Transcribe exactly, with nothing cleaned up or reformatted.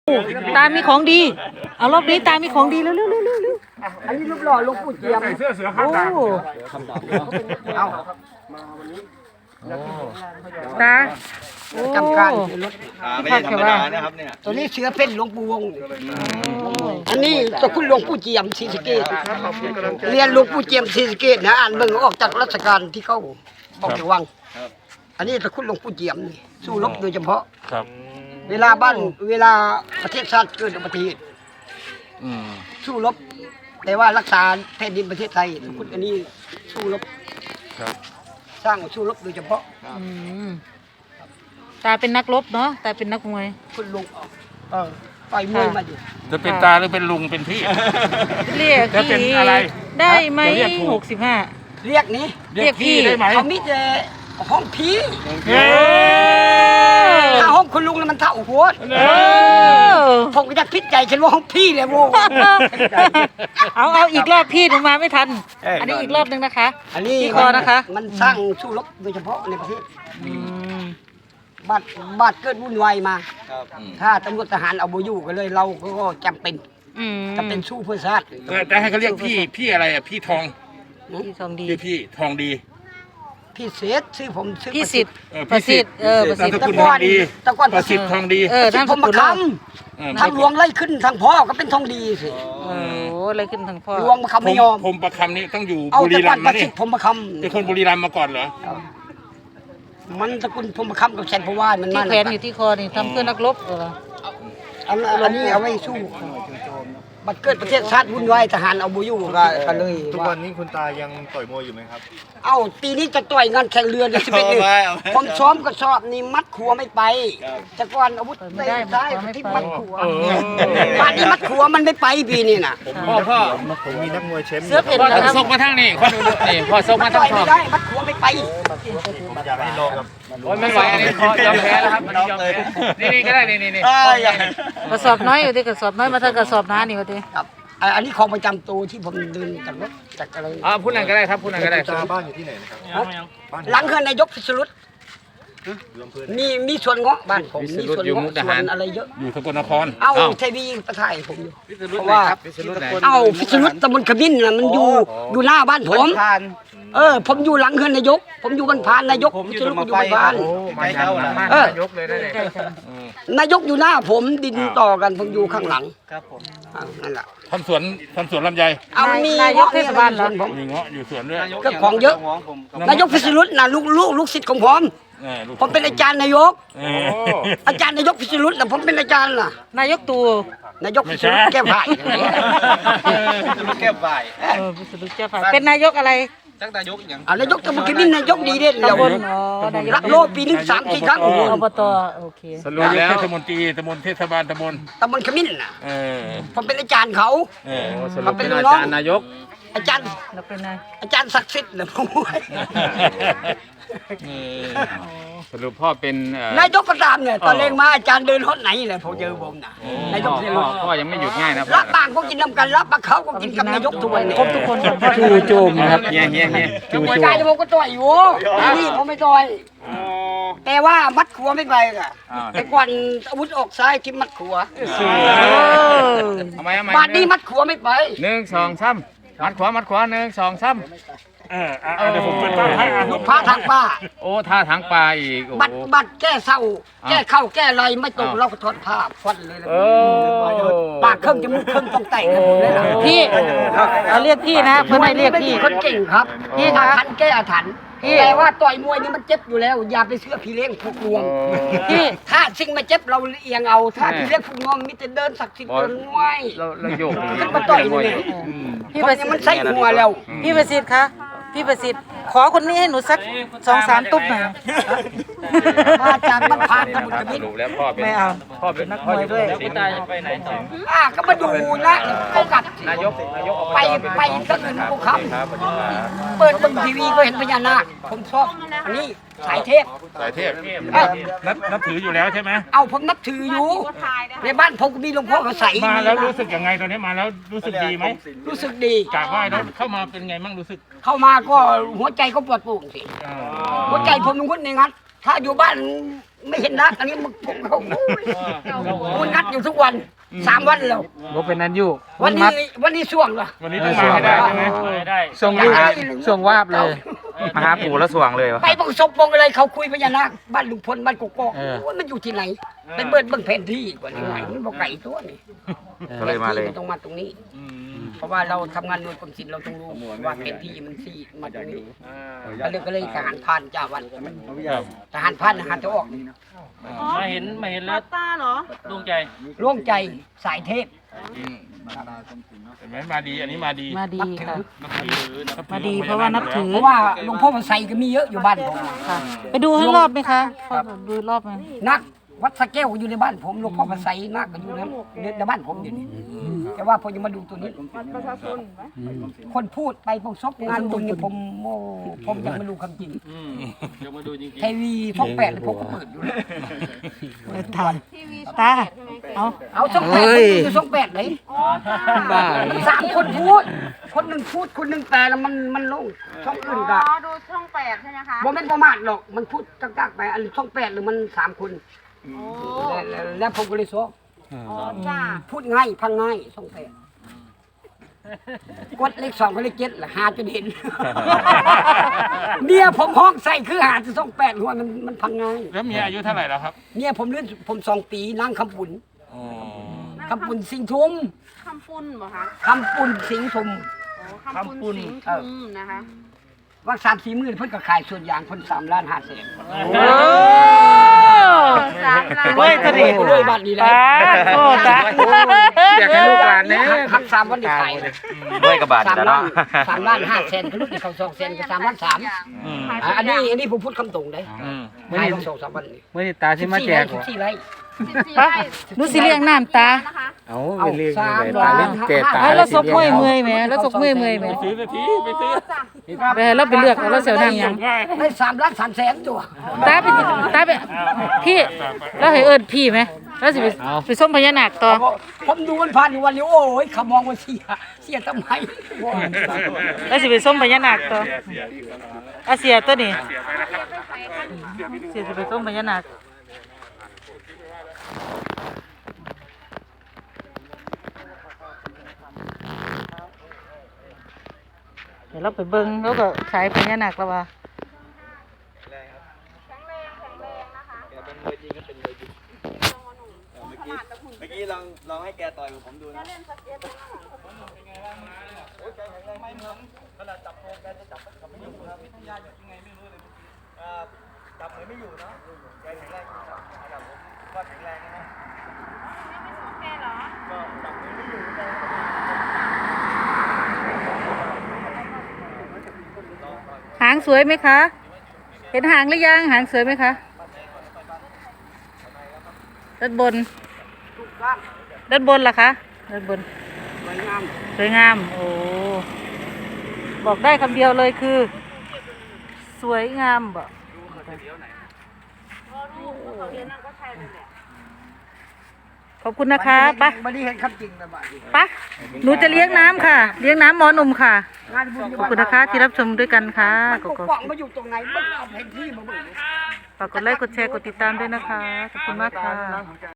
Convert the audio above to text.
ตามีของดีเอารอบนี้ตามีของดีเร็วเร็วเร็วเร็วอันนี้รูปหล่อหลวงปู่เจียมใส่เสื้อเสือข้าโอ้งตาเอาตาโอ้จำการรถไม่ใช่ธรรมดานะครับเนี่ยตัวนี้เสือเป็นหลวงปู่วงศ์อันนี้ตะคุณหลวงปู่เจียมศรีสะเกษเรียนหลวงปู่เจียมศรีสะเกษนะอ่านเบิ่งออกจากราชการที่เขาออกจากวังอันนี้ตะคุณหลวงปู่เจียมนี่สู้รบโดยเฉพาะครับเวลาบ้านเวลาประเทศชาติเกิดอุบัติเหตุอืมสู้รบแต่ว่ารักษาแผ่นดินประเทศไทยตะคุณอันนี้สู้รบครับสร้างสู้รบโดยเฉพาะอืมตาเป็นนักรบเนาะตาเป็นนักมวยคุณลุงเออต่อยมวยมาอยู่จะเป็นตาหรือเป็นลุงเป็นพี่เรียกจะเป็นพี่อะไรได้ไหมจะเรียกถูกหกสิบห้าเรียกนี้เรียกพี่ได้ไหมเขามีแต่ห้องผีเฮ้ยถ้าห้องคุณลุงแล้วมันเท่าหัวเออผมก็จะพิจใจฉันว่าห้องพี่เลยโว้เอาเอาอีกรอบพี่หนูมาไม่ทันเอออัอันนี้อีกรอบหนึงนะคะอันนี้ที่คอนะคะมันสร้างสู้รบโดยเฉพาะในประเทศอืมบาดบาดเกิดวุ่นวายมาครับถ้าตำรวจทหารเอาโบอยู่ก็เลยเราก็จำเป็นอืมจำเป็นสู้เพื่อชาติจะให้เขาเรียกพี่พี่อะไรอ่ะพี่ทองพี่ทองดีพี่พี่ทองดีพี่เศษชื่อผมชื่อพี่สิทธิ์เออประพี่สิสิททธิ์ธิ์เออประสิทธิ์นามสกุลทองดีตะก้อนประสิทธิ์ทองดีเออสิทนามธิ์สผมมากุลคเราเออำทางหลวงไล่ขึ้นทางพ่อก็เป็นทองดีสิโอ้โหอะไรขึ้นทางพ่อหลวงมาคำผไม่มยอมผมประคำนี่ต้องอยู่เอาบุแต่รีก่รัอนมย์ปมาระนี่สิทธิ์ผมมาคเป็นคนบุรีรัมย์มาก่อนเหรอำมันตระกุลผมมาคำกับแสนพวานมันที่มาแขวนอยู่ที่คอนี่ทำเพื่อนักรบเหรออันอันนี้เอาไว้สู้บัดเกิดประเทศชาติวุ่นวายทหารเอาโบอยู่ก็ก็เลยทุกว่าวันนี้คุณตายังต่อยมวยอยู่ไหมครับเอ้าปีนี้จะต่อยงานแข่งเรือเลยสิบเอ็ดเอาไว้เอาไว้ผมซ้อมก็ชอบนี่มัดขัวไม่ไปแต่ก่อนอาวุธเตะซ้ายที่มัดขัวบ้านนี้มัดขัวมันไม่ไปปีนี้น่ะพ่อพ่อผมมีนักมวยแชมป์อเสื้อยู่ เพ่นนะครับส่งมาทางนี้คนดูนี่พอส่งมาทาต่งอยขอไม่บได้มัดขัวไม่ไปผมอยากให้ลองกับโอ้ยไม่ไหวอันนี้ยอมแพ้แล้วครับยอมแพ้นี่นี่ก็ได้นี่นี่นี่กระสอบน้อยอยู่ที่กระสอบน้อยมาทางกระสอบหน้านี่วะทีครับอ่ะอันนี้ของประจำตัวที่ผมเดินจากรถจากอะไรอ่าพูดนั่นก็ได้ครับพูดนั่นก็ได้คุณตาบ้านอยู่ที่ไหนนะครับบ้านหลังเฮือนนายกพิศรุตอยู่อำเภอมีมีสวนเงาะบ้านผมมีสวนเงาะสวนอะไรเยอะอยู่สกลนครเอ้าเทวีประถ่ายผมอยู่เพราะว่าพิษณุไหนเอ้าพิษณุตำบลขมิ้นน่ะมันอยู่อยู่หน้าบ้านผม เออ ผมอยู่หลังเฮือนนายก ผมอยู่บนพานนายกพิษณุอยู่บนพานมาเจ้าละเออยกเลยนะเนี่ยใกล้กันนายกอยู่หน้าผมดินต่อกันผมอยู่ข้างหลังครับผมนั่นแหละทำสวนทำสวนลำไยเอามีนายกเทศบาลเหรอผมมีเงาะอยู่สวนด้วยก็ของเยอะ นายกพิษณุน่ะลูกลูกลูกศิษย์ของผมเออลูกผมเป็นอาจารย์นายกเอออาจารย์นายกพิษณุน่ะผมเป็นอาจารย์น่ะนายกตู่นายกพิษณุแก้วไผ่แก้บ่ายเออพิษณุเจ้าฝ่ายเป็นนายกอะไรจักนายกอย่างอ่านายกตำบลขมิ้นนายกดีเด่นเดียวตำบลอ๋อนายกรักโลกปีหนึงสามสี่ครั้งอบตโอเคสรุปแล้วเทศมนตรีตำบลเทศบาลตำบลตำบลขมิ้นน่ะเออผมเป็นอาจารย์เขาเออเขาเป็นลูกน้องนายก อาจารย์แล้วเป็นนายอาจารย์ศักดิ์สิทธิ์นะผมสรุปพ่อเป็นเอ่อนายกก็ตามเนี่ยตอนเล่งมาอาจารย์เดินฮอดไหนเลยผมเจอผมน่ะนายกพ่อพิษพ่ณุอพ่อยังไม่หยุดง่ายนะพ่อรับบางก็กินน้ำกันรับปลาเขาก็กินกับนายกทุกวันครบทุกคนก่อนพ่อจู่โจมนะครับเฮียเฮียเฮียจู่หัวโจใจมผมก็ต่อยอยู่นี่ผมไม่ต่อยแต่ว่ามัดขัวไม่ไปอ่ะแต่ก่อนอาวุธออกซ้ายที่มัดขัวทำไมทำไมบาดนี้มัดขัวไม่ไปหนึ่งสองสามมัดขวามัดขวาหนึ่งสองสามเอออ่ะเดี๋ยวผมเป็นป้าให้อ่ะลูกพระทางป้าโอ้ท่าทางปลาอีกโอ้บัตรบัตรแก้เศร้า แก้เข้าแก้อะไรไม่ตรงเราก็ถอดผ้าฟันเลยนะโอ้ปากเครื่องจมูกเครื่องต้องแต่งกันหมดเลยนะพี่เอาเรียกพี่นะเพื่อนไม่เรียกพี่คนเก่งครับพี่อาคะถรรพ์แก้อาถรรพ์พี่แต่ว่าต่อยมวยนี่มันเจ็บอยู่แล้ว อย่าไปเชื่อพี่เลี้ยงผูกงวงพี่ถ้าสิ่งมาเจ็บเราเอียงเอา ถ้าพี่เลี้ยงผูกงวงมีแต่เดินศักดิ์สิทธิ์เดินมวยเราเราโยกขึ้นมาต่อยนี่อืมพี่คปนระสินี้ทมันธิ์ใส่หัวแล้วพี่ประสิทธิ์คะพี่ประสิทธิ์ขอคนนี้ให้หนูสักสองสามตุ๊บหน่อยมาจากมันผ่านตะบุตรสมิตรรุปแล้วพ่อเป็นไม่เอาพ่อเป็นนักมวยด้วยแล้วคุณตาจะไปไหนต่ออ่ะก็มาดูนะเขากัดนายกนายกไปไปก็อื่นกูครับเปิดเบิ่งทีวีก็เห็นพญานาคผมชอบอันนี้สายเทพสายเทพเอ้านับนับถืออยู่แล้วใช่ไหมเอาผมนับถืออยู่ในบ้านผมก็มีหลวงพ่อเขาใส่มาแล้วรู้สึกยังไงตอนนี้มาแล้วรู้สึกดีไหมรู้สึกดีกราบไหว้แล้วเข้ามาเป็นไงมั่งรู้สึกเข้ามาก็หัวใจก็ปวดโปร่งสิเออหัวใจผมมันวุ่นในงัดถ้าอยู่บ้านไม่เห็นนักอันนี้มันผมเขาโอ้ยมันงัดอยู่ทุกวันสามวันแล้วบ่เป็นนั้นอยู่วันนี้วันนี้ช่วงเหรอวันนี้ต้องมาให้ได้ใช่ไหมได้ส่งลูกส่งวาบเลยมาหาปู่แล้วสว่างเลยวะไปบังศพบงอะไรเขาคุยพญานาคบ้านลุงพลบ้านกกอกเออโอ้ยมันอยู่ที่ไหนเป็นเบิดเบิ่งแผนที่ก่อนยังไงมันบอกไก่ตัวนี่ก็เลยมาเลยแผนที่นต้องมาตรงนี้ เพราะว่าเราทำงานหน่วยกรมศิลป์เราต้องรู้ว่าแผนที่มันสี่มาตรงนี้ก็เลยก็เลยทหารพรานจ้าวันทหารพรานทหารจะออกมาเห็นมาเห็นแล้วตาเหรอดวงใจร่วมใจสายเทพเห็นไหมมาดีอันนี้มาดีมาดีค่ะนับถือนับถือมาดีเพราะว่านับถือเพราะว่าหลวงพ่อมันใส่ก็มีเยอะอยู่บ้านผมค่ะ ไปดูให้รอบไหมคะดูรอบไหมนักวัดสะแก้วอยู่ในบ้านผมหลวงพ่อมันใส่นักก็อยู่ในในบ้านผมอยู่นี่แต่ว่าพอจะมาดูตัวนี้คนพูดไปพวกซบงานบุญนี่ผมโมผมยังไม่รู้คำจริงเดี๋ยวมาดูจริงทีวีช่องแปดผมก็เปิดอยู่เลยตาตาเอาเอาช่องแปดผมอยู่ช่องแปดเลยบ้าสามคนพูด คนหนึ่งพูดคนหนึ่งแปลแล้วมันมันลงช่องอื่นก็อ๋อ ดูช่องแปดใช่ไหมคะบ่แม่นประมาทหรอกมันพูดกักๆไปอันช่องแปดหรือมันสามคนโอ้แล้วแล้วแล้วผมก็เลยซ้ออ๋อจ้าพูดง่ายพังง่ายช่องแปดกดเลขสองกับเลขเจ็ดละหาจนเห็น เมียผมห้องใส่คือหาจะช่องแปดหัวมันมันพังง่ายแล้วเมียอายุเท่าไหร่แล้วครับเมียผมเลื่อนผมสองปีนั่งคำปุ่นอ๋อคำปุ่นสิงห์ทุมคำปุ้นเหรอคะคำปุ่นสิงห์ทุมโอ้คำปุ้นสิงห์ทุมนะคะว่าสามสี่หมื่นเพิ่นก็ขายส่วนยางเพิ่นสามล้านห้าแสนโอ้สามล้านเฮ้ยตะดิเลยบ้านนี้แหละตาโอ้ตาอยากให้ลูกหลานเนี่ยหักสามวันได้ขายด้วยกระบาดสามแล้วล้าเนาะนสามล้านห้าแสนก็ลูกที่เขาสองแสนก็สามล้านสามอ่ะอันนี้อันนี้ผมพูดคำตรงเลยขายของสองสามวันนี่เมื่อนี้ตาที่มาแจกสิบสี่ไร่สิบสี่ปะไร่หนูสิเลี้ยงน้ำตานะคะเอาเอาไปเรียกสามตาเล่นเกตตาให้เราซบเมื่อยเมื่อยไหมแล้วซบเมื่อยเมื่อยไหมซื้อนาทีไปซื้อไปให้เราไปเลือกเอาเราเสียวน้ำยังได้สามล้านสามแสนตัวตาไปตาไปพี่เราให้เอิญพี่ไหมแล้วสิไปไปส้มพญานาคต่อผมดูมันผ่านอยู่วันนี้โอ้ยเขามองว่าเสียเสียทำไมแล้วสิไปส้มพญานาคต่ออาเสียตัวนี้เสียสิไปส้มพญานาคเดี๋ยวเราไปเบิ้งแล้วก็ขายพญานาคแล้วว่าเมื่อกี้ลองลองให้แกต่อยกับผมดูนะโอ้ยแกแข็งแรงไม่เหมือนขนาดจับโคแกจะจับจับไม่อยู่นะพิทยาอยู่ยังไงไม่รู้เลยอ่าจับเหมือนไม่อยู่นะแกแข็งแรงจริงครับระดับผมก็แข็งแรงนะก็จับเหมือนไม่อยู่เลยหางสวยไหมคะ เห็นหางหรือยังหางสวยไหมคะด้านบนด้านบนล่ะคะด้านบนสวยงามสวยงามโอ้บอกได้คำเดียวเลยคือ สวยงามบ่ขอบคุณนะคะไปะวันนี้เห็นคำจริงนะบ้านนี้ปะหนูจะเลี้ยงน้ำค่ะ เลี้ยงน้ำหมอหนุ่มค่ะงานบุญขอบคุณนะคะที่รับชมด้วยกันค่ะมันขปอบกคุณป้องมาอยู่ตรงไหนมันเอาแผนที่มาเบิ่งฝากกดไลค์กดแชร์กดติดตามด้วยนะคะขอบคุณมากค่ะ